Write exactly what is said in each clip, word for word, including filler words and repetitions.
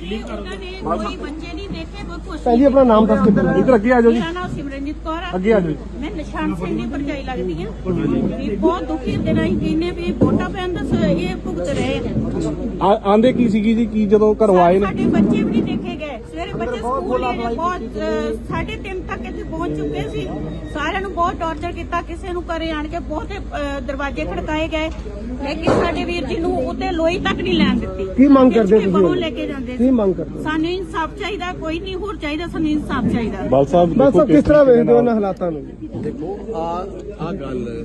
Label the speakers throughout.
Speaker 1: कोई बच्चे नहीं देखे, कोई कुछ
Speaker 2: जी अपना नाम दस के इधर अगे आ जाओ जी।
Speaker 1: मेरा नाम सिमरनजीत कौर है।
Speaker 2: अगे आ जाओ।
Speaker 1: मैं निशान सिंह की भरजाई लगती है। बहुत दुखी दिन ਅਸੀਂ ਕਹਿੰਨੇ ਵੀ ਵੋਟਾਂ ਪੈਣ ਦਾ ਇਹ ਭੁਗਤ ਰਹੇ ਆ।
Speaker 2: ਆਂਦੇ ਕੀ ਸੀਗੀ ਜੀ ਕੀ ਜਦੋਂ ਘਰੋਂ ਆਏ ਨੇ
Speaker 1: ਸਾਡੇ ਬੱਚੇ ਵੀ ਨਹੀਂ ਦੇਖੇ ਗਏ। ਸਵੇਰੇ ਬੱਚੇ ਸਕੂਲ ਗਏ, ਬਹੁਤ ਸਾਢੇ ਤਿੰਨ ਤੱਕ ਇੱਥੇ ਪਹੁੰਚ ਚੁੱਕੇ ਸੀ। ਸਾਰਿਆਂ ਨੂੰ ਬਹੁਤ ਟੌਰਚਰ ਕੀਤਾ, ਕਿਸੇ ਨੂੰ ਘਰੇ ਆਣ ਕੇ ਬਹੁਤ ਦਰਵਾਜ਼ੇ ਖੜਕਾਏ ਗਏ, ਲੇਕਿਨ ਸਾਡੇ ਵੀਰ ਜੀ ਨੂੰ ਉੱਤੇ ਲੋਈ ਤੱਕ ਨਹੀਂ ਲੈਣ ਦਿੱਤੀ।
Speaker 2: ਕੀ ਮੰਗ ਕਰਦੇ ਤੁਸੀਂ?
Speaker 1: ਬਾਹਰੋਂ ਲੈ ਕੇ ਜਾਂਦੇ
Speaker 2: ਕੀ ਮੰਗ ਕਰਦੇ?
Speaker 1: ਸਾਨੂੰ ਇਨਸਾਫ ਚਾਹੀਦਾ, ਕੋਈ ਨਹੀਂ ਹੋਰ ਚਾਹੀਦਾ, ਸਾਨੂੰ ਇਨਸਾਫ ਚਾਹੀਦਾ।
Speaker 2: ਬਾਲ ਸਾਹਿਬ ਬਸ ਕਿਸ ਤਰ੍ਹਾਂ ਵੇਖਦੇ ਹੋ ਇਹਨਾਂ ਹਾਲਾਤਾਂ ਨੂੰ?
Speaker 3: ਦੇਖੋ ਆ ਆ ਗੱਲ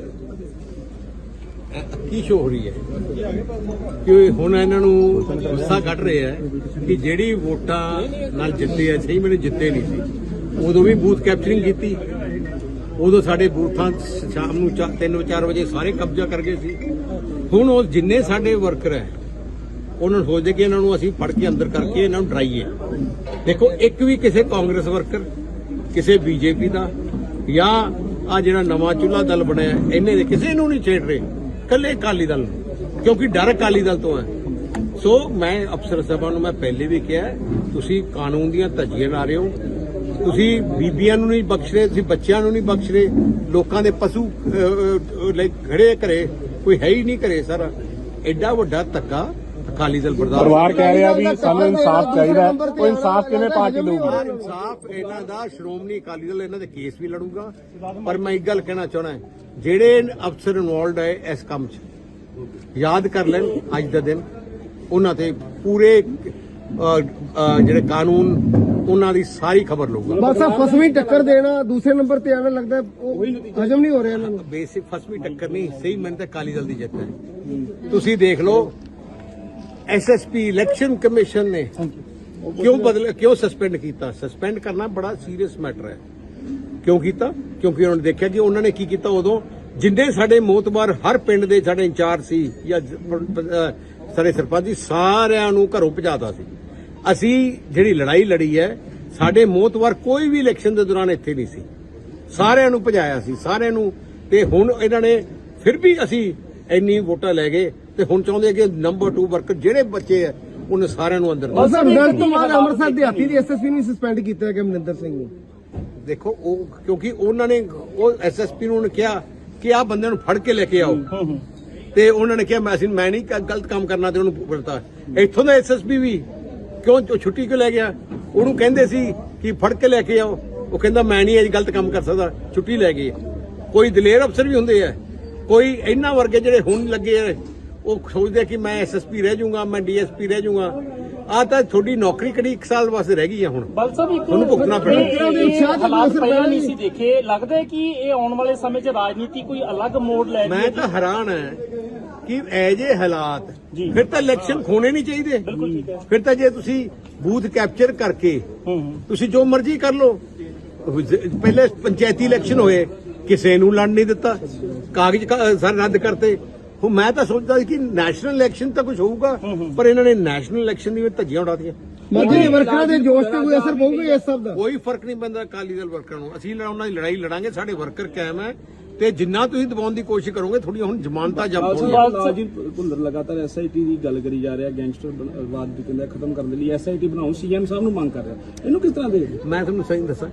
Speaker 3: ਕੀ ਸ਼ੋ ਹੋ ਰਹੀ ਹੈ ਕਿ ਹੁਣ ਇਹਨਾਂ ਨੂੰ ਗੁੱਸਾ ਕੱਢ ਰਿਹਾ ਹੈ ਕਿ ਜਿਹੜੀ ਵੋਟਾਂ ਨਾਲ ਜਿੱਤੇ ਆ, ਸਹੀ ਮੈਨੂੰ ਜਿੱਤੇ ਨਹੀਂ ਸੀ। ਉਦੋਂ ਵੀ ਬੂਥ ਕੈਪਚਰਿੰਗ ਕੀਤੀ, ਉਦੋਂ ਸਾਡੇ ਬੂਥਾਂ ਸ਼ਾਮ ਨੂੰ ਤਿੰਨ ਚਾਰ ਵਜੇ ਸਾਰੇ ਕਬਜ਼ਾ ਕਰ ਗਏ ਸੀ। ਹੁਣ ਉਹ ਜਿੰਨੇ ਸਾਡੇ ਵਰਕਰ ਹੈ ਉਹਨਾਂ ਨੂੰ ਸੋਚਦੇ ਕਿ ਇਹਨਾਂ ਨੂੰ ਅਸੀਂ ਫੜ ਕੇ ਅੰਦਰ ਕਰਕੇ ਇਹਨਾਂ ਨੂੰ ਡਰਾਈਏ। ਦੇਖੋ ਇੱਕ ਵੀ ਕਿਸੇ ਕਾਂਗਰਸ ਵਰਕਰ, ਕਿਸੇ ਬੀਜੇਪੀ ਦਾ ਜਾਂ ਆ ਜਿਹੜਾ ਨਵਾਂ ਚੁੱਲ੍ਹਾ ਦਲ ਬਣਿਆ ਇਹਨੇ ਦੇ ਕਿਸੇ ਨੂੰ ਨਹੀਂ ਛੇੜ ਰਹੇ, ਕੱਲੇ ਅਕਾਲੀ ਦਲ ਨੂੰ, ਕਿਉਂਕਿ ਡਰ ਅਕਾਲੀ ਦਲ ਤੋਂ ਹੈ। ਸੋ ਮੈਂ ਅਫਸਰ ਸਾਹਿਬਾਂ ਨੂੰ ਮੈਂ ਪਹਿਲੇ ਵੀ ਕਿਹਾ, ਤੁਸੀਂ ਕਾਨੂੰਨ ਦੀਆਂ ਧੱਜੀਆਂ ਲਾ ਰਹੇ ਹੋ, ਤੁਸੀਂ ਬੀਬੀਆਂ ਨੂੰ ਨਹੀਂ ਬਖਸ਼ ਰਹੇ, ਤੁਸੀਂ ਬੱਚਿਆਂ ਨੂੰ ਨਹੀਂ ਬਖਸ਼ ਰਹੇ, ਲੋਕਾਂ ਦੇ ਪਸ਼ੂ ਲਈ ਖੜੇ ਘਰੇ ਕੋਈ ਹੈ ਹੀ ਨਹੀਂ ਘਰੇ। ਸਾਰਾ ਐਡਾ ਵੱਡਾ ਧੱਕਾ ਅਕਾਲੀ ਦਲ ਬਰਦਾਸ਼ਤ।
Speaker 2: ਪਰਿਵਾਰ ਕਹਿ ਰਿਹਾ ਵੀ ਸਾਨੂੰ ਇਨਸਾਫ ਚਾਹੀਦਾ, ਉਹ ਇਨਸਾਫ ਕਿਵੇਂ ਪਾਰਟੀ ਲਊਗੀ?
Speaker 3: ਇਨਸਾਫ ਇਹਨਾਂ ਦਾ ਸ਼੍ਰੋਮਣੀ ਅਕਾਲੀ ਦਲ ਇਹਨਾਂ ਦੇ ਕੇਸ ਵੀ ਲੜੂਗਾ। ਪਰ ਮੈਂ ਇੱਕ ਗੱਲ ਕਹਿਣਾ ਚਾਹੁੰਦਾ, ਜਿਹੜੇ ਅਫਸਰ ਇਨਵੋਲਡ ਹੈ ਇਸ ਕੰਮ 'ਚ, ਯਾਦ ਕਰ ਲੈਣ ਅੱਜ ਦਾ ਦਿਨ, ਉਹਨਾਂ ਤੇ ਪੂਰੇ ਜਿਹੜੇ ਕਾਨੂੰਨ ਉਹਨਾਂ ਦੀ ਸਾਰੀ ਖਬਰ ਲਊਗਾ।
Speaker 2: ਬਸ ਆ ਫਸਵੀਂ ਟੱਕਰ ਦੇਣਾ, ਦੂਸਰੇ ਨੰਬਰ ਤੇ ਆਣਾ ਲੱਗਦਾ ਉਹ ਹਜਮ ਨਹੀਂ ਹੋ ਰਿਹਾ ਇਹਨਾਂ ਨੂੰ।
Speaker 3: ਬੇਸਿਕ ਫਸਵੀਂ ਟੱਕਰ ਨਹੀਂ, ਸਹੀ ਮੈਨੂੰ ਤਾਂ ਅਕਾਲੀ ਦਲ ਦੀ ਜਿੱਤ ਹੈ। ਤੁਸੀਂ ਦੇਖ ਲਓ ਐਸਐਸਪੀ ਇਲੈਕਸ਼ਨ ਕਮਿਸ਼ਨ ਨੇ ਕਿਉਂ ਬਦਲ ਕਿਉਂ ਸਸਪੈਂਡ ਕੀਤਾ? ਸਸਪੈਂਡ ਕਰਨਾ ਬੜਾ ਸੀਰੀਅਸ ਮੈਟਰ ਹੈ। ਕਿਉਂ ਕੀਤਾ? ਕਿਉਂਕਿ ਉਹਨਾਂ ਨੇ ਦੇਖਿਆ ਕਿ ਉਹਨਾਂ ਨੇ ਕੀ ਕੀਤਾ। ਉਦੋਂ ਜਿੰਨੇ ਸਾਡੇ ਮੋਤਬਾਰ ਹਰ ਪਿੰਡ ਦੇ ਸਾਡੇ ਇੰਚਾਰਜ ਸੀ ਜਾਂ ਸਾਡੇ ਸਰਪੰਚ ਜੀ, ਸਾਰਿਆਂ ਨੂੰ ਘਰੋਂ ਭਜਾਤਾ ਸੀ। ਅਸੀਂ ਜਿਹੜੀ ਲੜਾਈ ਲੜੀ ਹੈ, ਸਾਡੇ ਮੋਤਬਾਰ ਕੋਈ ਵੀ ਇਲੈਕਸ਼ਨ ਦੇ ਦੌਰਾਨ ਇੱਥੇ ਨਹੀਂ ਸੀ, ਸਾਰਿਆਂ ਨੂੰ ਭਜਾਇਆ ਸੀ, ਸਾਰਿਆਂ ਨੂੰ। ਤੇ ਹੁਣ ਇਹਨਾਂ ਨੇ ਫਿਰ ਵੀ ਅਸੀਂ ਇੰਨੀ ਵੋਟਾਂ ਲੈ ਗਏ ਤੇ ਹੁਣ ਚਾਹੁੰਦੇ ਕਿ ਨੰਬਰ ਟੂ ਵਰਕਰ ਜਿਹੜੇ ਬੱਚੇ ਆ ਉਹਨੇ ਸਾਰਿਆਂ ਨੂੰ ਅੰਦਰ।
Speaker 2: ਰਿਜ਼ਲਟ ਤੋਂ ਬਾਅਦ ਅੰਮ੍ਰਿਤਸਰ ਦਿਹਾਤੀ ਦੀ ਐਸਐਸਪੀ ਨੂੰ ਸਸਪੈਂਡ ਕੀਤਾ ਗਿਆ ਮਨਿੰਦਰ ਸਿੰਘ ਨੂੰ।
Speaker 3: ਦੇਖੋ ਉਹ ਕਿਉਂਕਿ ਉਹਨਾਂ ਨੇ ਉਹ ਐਸਐਸਪੀ ਨੂੰ ਕਿਹਾ ਕਿ ਆਹ ਬੰਦੇ ਨੂੰ ਫੜ ਕੇ ਲੈ ਕੇ ਆਓ, ਤੇ ਉਹਨਾਂ ਨੇ ਕਿਹਾ ਮੈਂ ਅਸੀਂ ਮੈਂ ਨਹੀਂ ਗਲਤ ਕੰਮ ਕਰਨਾ, ਤੇ ਉਹਨੂੰ ਪੜਤਾ। ਇੱਥੋਂ ਦਾ ਐਸਐਸਪੀ ਵੀ ਕਿਉਂ ਛੁੱਟੀ ਕਿਉਂ ਲੈ ਗਿਆ? ਉਹਨੂੰ ਕਹਿੰਦੇ ਸੀ ਕਿ ਫੜ ਕੇ ਲੈ ਕੇ ਆਓ, ਉਹ ਕਹਿੰਦਾ ਮੈਂ ਨਹੀਂ ਇਹ ਗਲਤ ਕੰਮ ਕਰ ਸਕਦਾ, ਛੁੱਟੀ ਲੈ ਗਈ। ਕੋਈ ਦਲੇਰ ਅਫਸਰ ਵੀ ਹੁੰਦੇ ਆ, ਕੋਈ ਇਹਨਾਂ ਵਰਗੇ ਜਿਹੜੇ ਹੁਣ ਲੱਗੇ ਆ, ਉਹ ਸੋਚਦੇ ਕਿ ਮੈਂ ਐਸਐਸਪੀ ਰਹਿ ਜਾਊਂਗਾ, ਮੈਂ ਡੀਐਸਪੀ ਰਹਿ ਜਾਊਂਗਾ। ਆ ਤਾਂ ਤੁਹਾਡੀ ਨੌਕਰੀ ਕਿਹੜੀ ਇੱਕ ਸਾਲ ਵਾਸਤੇ ਰਹਿ ਗਈ ਆ। ਹੁਣ
Speaker 4: ਬਲ ਸਾਹਿਬ ਇੱਕ
Speaker 3: ਤੁਹਾਨੂੰ ਭੁਗਤਣਾ ਪੈਣਾ।
Speaker 4: ਹਾਲਾਤ ਪਹਿਲਾਂ ਨਹੀਂ ਸੀ ਦੇਖੇ, ਲੱਗਦਾ ਹੈ ਕਿ ਇਹ ਆਉਣ ਵਾਲੇ ਸਮੇਂ 'ਚ ਰਾਜਨੀਤੀ ਕੋਈ ਅਲੱਗ ਮੋੜ ਲੈ।
Speaker 3: ਮੈਂ ਤਾਂ ਹੈਰਾਨ ਹੈ ਕਿ ਐ ਜੇ ਹਾਲਾਤ, ਫਿਰ ਤਾਂ ਇਲੈਕਸ਼ਨ ਖੋਣੇ ਨਹੀਂ ਚਾਹੀਦੇ।
Speaker 4: ਬਿਲਕੁਲ ਠੀਕ ਹੈ।
Speaker 3: ਫਿਰ ਤਾਂ ਜੇ ਤੁਸੀਂ ਬੂਥ ਕੈਪਚਰ ਕਰਕੇ ਤੁਸੀਂ ਜੋ ਮਰਜ਼ੀ ਕਰ ਲਓ। ਪਹਿਲੇ ਪੰਚਾਇਤੀ ਇਲੈਕਸ਼ਨ ਹੋਏ, ਕਿਸੇ ਨੂੰ ਲੜ ਨਹੀਂ ਦਿੱਤਾ, ਕਾਗਜ਼ ਸਾਰੇ ਰੱਦ ਕਰਤੇ। ਹੁਣ ਮੈਂ ਤਾਂ ਸੋਚਦਾ ਸੀ ਕਿ ਨੈਸ਼ਨਲ ਇਲੈਕਸ਼ਨ ਤਾਂ ਕੁਝ ਹੋਊਗਾ, ਪਰ ਇਹਨਾਂ ਨੇ ਨੈਸ਼ਨਲ ਇਲੈਕਸ਼ਨ ਦੀ ਧੱਜੀਆਂ ਉਡਾਤੀਆਂ।
Speaker 2: ਮਰਜ਼ੀ ਵਰਕਰਾਂ ਦੇ ਜੋਸ਼ ਤੇ ਕੋਈ ਅਸਰ ਪਊਗਾ ਇਸ ਸਭ ਦਾ?
Speaker 3: ਕੋਈ ਫਰਕ ਨਹੀਂ ਪੈਂਦਾ ਅਕਾਲੀ ਦਲ ਵਰਕਰਾਂ ਨੂੰ। ਅਸੀਂ ਉਹਨਾਂ ਦੀ ਲੜਾਈ ਲੜਾਂਗੇ, ਸਾਡੇ ਵਰਕਰ ਕਾਇਮ ਹੈ, ਤੇ ਜਿੰਨਾ ਤੁਸੀਂ ਦਬਾਉਣ ਦੀ ਕੋਸ਼ਿਸ਼ ਕਰੋਗੇ ਥੋੜੀਆਂ ਹੁਣ ਜ਼ਮਾਨਤਾਂ ਜਬ ਹੋਣਗੀਆਂ।
Speaker 5: ਜੀ ਭੁੱਲਰ ਲਗਾਤਾਰ ਐਸਆਈਟੀ ਦੀ ਗੱਲ ਕਰੀ ਜਾ ਰਿਹਾ, ਗੈਂਗਸਟਰਵਾਦ ਦੀ ਕਹਿੰਦਾ ਖਤਮ ਕਰਨ ਦੇ ਲਈ ਐਸਆਈਟੀ ਬਣਾਉਣ, ਸੀਐਮ ਸਾਹਿਬ ਨੂੰ ਮੰਗ ਕਰ ਰਿਹਾ, ਇਹਨੂੰ ਕਿਸ ਤਰ੍ਹਾਂ ਦੇਖਦੇ?
Speaker 3: ਮੈਂ ਤੁਹਾਨੂੰ ਸਹੀ ਦੱਸਾਂ,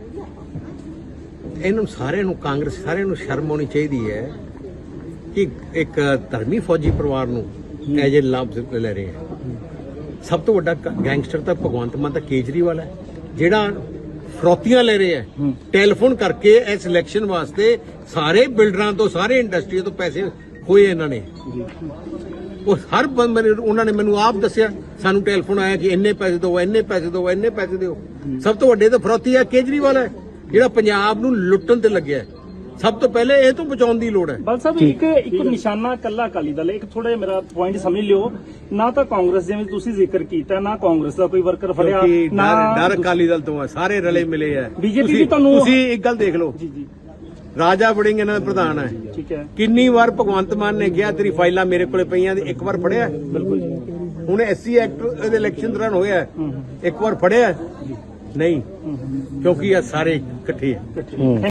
Speaker 3: ਇਹਨੂੰ ਸਾਰਿਆਂ ਨੂੰ, ਕਾਂਗਰਸ ਸਾਰਿਆਂ ਨੂੰ ਸ਼ਰਮ ਆਉਣੀ ਚਾਹੀਦੀ ਹੈ ਕਿ ਇੱਕ ਧਰਮੀ ਫੌਜੀ ਪਰਿਵਾਰ ਨੂੰ ਐਜ ਏ ਲਾਭ ਲੈ ਰਹੇ ਹੈ। ਸਭ ਤੋਂ ਵੱਡਾ ਗੈਂਗਸਟਰ ਤਾਂ ਭਗਵੰਤ ਮਾਨ ਤਾਂ ਕੇਜਰੀਵਾਲ ਹੈ, ਜਿਹੜਾ ਫਰੌਤੀਆਂ ਲੈ ਰਹੇ ਹੈ ਟੈਲੀਫੋਨ ਕਰਕੇ ਇਸ ਇਲੈਕਸ਼ਨ ਵਾਸਤੇ। ਸਾਰੇ ਬਿਲਡਰਾਂ ਤੋਂ, ਸਾਰੇ ਇੰਡਸਟਰੀ ਤੋਂ ਪੈਸੇ ਹੋਏ ਇਹਨਾਂ ਨੇ। ਉਹ ਹਰ ਬੰਦੇ ਉਹਨਾਂ ਨੇ ਮੈਨੂੰ ਆਪ ਦੱਸਿਆ, ਸਾਨੂੰ ਟੈਲੀਫੋਨ ਆਇਆ ਕਿ ਇੰਨੇ ਪੈਸੇ ਦਿਓ, ਇੰਨੇ ਪੈਸੇ ਦਿਓ, ਇੰਨੇ ਪੈਸੇ ਦਿਓ। ਸਭ ਤੋਂ ਵੱਡੇ ਤਾਂ ਫਰੌਤੀ ਹੈ ਕੇਜਰੀਵਾਲ ਹੈ, ਜਿਹੜਾ ਪੰਜਾਬ ਨੂੰ ਲੁੱਟਣ ਤੇ ਲੱਗਿਆ। ਸਭ ਤੋਂ ਪਹਿਲੇ ਇਹ ਤੋਂ ਬਚਾਉਣ ਦੀ ਲੋੜ ਹੈ।
Speaker 4: ਬਲ ਸਾਹਿਬ ਇੱਕ ਇੱਕ ਨਿਸ਼ਾਨਾ ਕੱਲਾ ਅਕਾਲੀ ਦਲ, ਇੱਕ ਥੋੜਾ ਮੇਰਾ ਪੁਆਇੰਟ ਸਮਝ ਲਿਓ, ਨਾ ਤਾਂ ਕਾਂਗਰਸ ਜਿਵੇਂ ਤੁਸੀਂ ਜ਼ਿਕਰ ਕੀਤਾ, ਨਾ ਕਾਂਗਰਸ ਦਾ ਕੋਈ ਵਰਕਰ ਫੜਿਆ, ਨਾ
Speaker 3: ਡਰ ਅਕਾਲੀ ਦਲ ਤੋਂ ਹੈ, ਸਾਰੇ ਰਲੇ ਮਿਲੇ ਹੈ।
Speaker 4: ਬੀਜੇਪੀ ਵੀ ਤੁਹਾਨੂੰ,
Speaker 3: ਤੁਸੀਂ ਇੱਕ ਗੱਲ ਦੇਖ ਲਓ,
Speaker 4: ਜੀ ਜੀ
Speaker 3: ਰਾਜਾ ਵੜਿੰਗ ਇਹਨਾਂ ਦਾ ਪ੍ਰਧਾਨ ਹੈ,
Speaker 4: ਠੀਕ ਹੈ।
Speaker 3: ਕਿੰਨੀ ਵਾਰ ਭਗਵੰਤ ਮਾਨ ਨੇ ਕਿਹਾ ਤੇਰੀ ਫਾਈਲਾਂ ਮੇਰੇ ਕੋਲੇ ਪਈਆਂ, ਇੱਕ ਵਾਰ ਫੜਿਆ?
Speaker 4: ਬਿਲਕੁਲ ਜੀ।
Speaker 3: ਹੁਣ ਐਸਸੀ ਐਕਟ ਦੇ ਇਲੈਕਸ਼ਨ ਦੌਰਾਨ ਹੋਇਆ, ਇੱਕ ਵਾਰ ਫੜਿਆ ਨਹੀਂ, ਕਿਉਂਕਿ ਇਹ ਸਾਰੇ ਇਕੱਠੇ ਆ।